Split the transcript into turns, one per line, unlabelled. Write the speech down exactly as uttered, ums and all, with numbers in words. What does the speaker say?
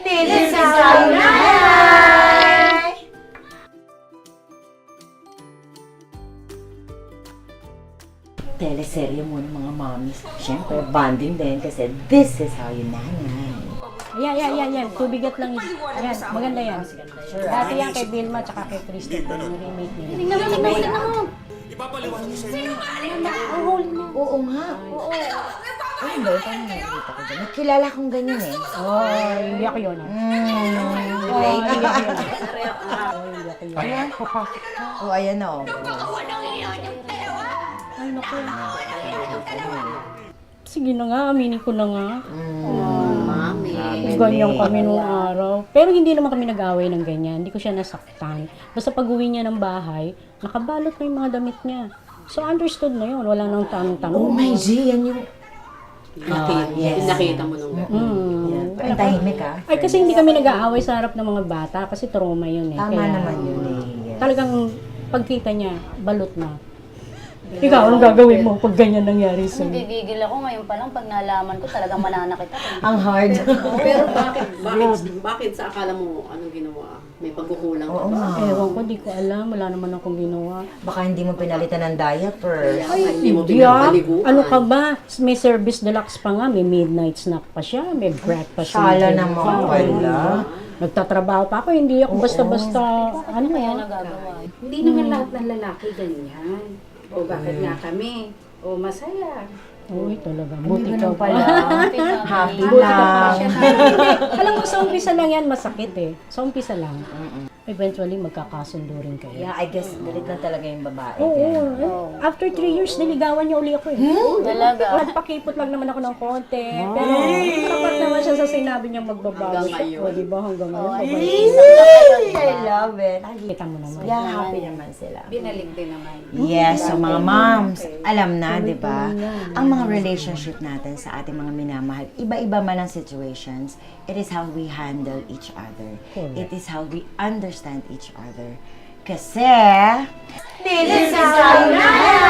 This is how you nanay! Teleserye muna mga mommies. Siyempre, bonding din kasi this is how you nanay.
Yan, yan, yan, yan. Tubigat lang yun. Yan, maganda yan. Dati yan kay Vilma at kay Christopher. Yung remake nila.
Tingnan mo, tingnan mo, tingnan mo.
Ipapaliwanag ko sa'yo.
Ang huli na.
Oo nga. Oo. Ano ba? Paano nakikita ko dyan? May kilala kong ganyan eh.
Oh, hindi ako yun. ah.
Mm.
Oh, hindi ako yun. Oh, hindi ako yun.
Ayan, papasok ka. Oh, ayan na oh.
Ay, naku. Sige na nga, aminin ko na nga.
Mami.
Ganyan kami nung araw. Pero hindi naman kami nag-away ng ganyan. Hindi ko siya nasaktan. Basta pag-uwi niya ng bahay, nakabalot na yung mga damit niya. So, understood na yun. Wala nang tanong-tanong.
Oh my G, yan yung...
Nakita,
yes.
nakita mo nung
Mm.
Yan. Ang tahimik ah.
Ay, kasi hindi kami nag-aaway sa harap ng mga bata kasi trauma yun eh.
Tama
Kaya,
naman yun eh. Yes.
Talagang pagkita niya, balot na. Ikaw, anong gagawin mo pag ganyan nangyari sa'yo?
Gigigil ako ngayon pa lang pag nalaman ko talagang mananakit ako.
Ang hard.
Pero bakit, bakit, bakit sa akala mo anong ginawa? May pagkukulang ka
Oo
ba?
nga.
Ewan ko, di ko alam. Wala naman akong ginawa.
Baka hindi mo pinalitan ng diaper.
Ay, hindi mo
Hindi ah.
pinapaliguan.
Ano ka ba? May service deluxe pa nga. May midnight snack pa siya. May breakfast.
Sala
and
naman
dinner.
pala.
Nagtatrabaho pa ako. Hindi ako basta-basta. Ano
Kaya
nga?
nagagawa.
Hindi naman lahat ng lalaki ganyan. O bakit nga kami? O masaya.
Uy, talaga.
Buti
Buti
ka
ka
pala.
pala.
Happy
Buti ka pa
lang.
siya. Hindi. Alam mo, sa umpisa lang yan, masakit eh. Sa umpisa lang. Eventually, magkakasundo rin kayo.
Yeah, I guess galit na talaga yung babae.
Oo.
Kaya.
eh. After three years, niligawan niya uli ako eh.
Talaga.
Nagpakipot lang naman ako ng konti. Pero sapat naman siya sa sinabi niyang magbabago.
Hanggang ngayon.
O, diba? Hanggang ngayon.
ay,
Babalik.
I love it.
Kita mo naman.
Yeah, happy naman sila.
Binalik din naman.
Yes, so mga moms, alam na, di ba? Ang mga relationship natin sa ating mga minamahal, iba-iba man ang situations, it is how we handle each other.
Correct.
It is how we understand each other. Kasi, this is how you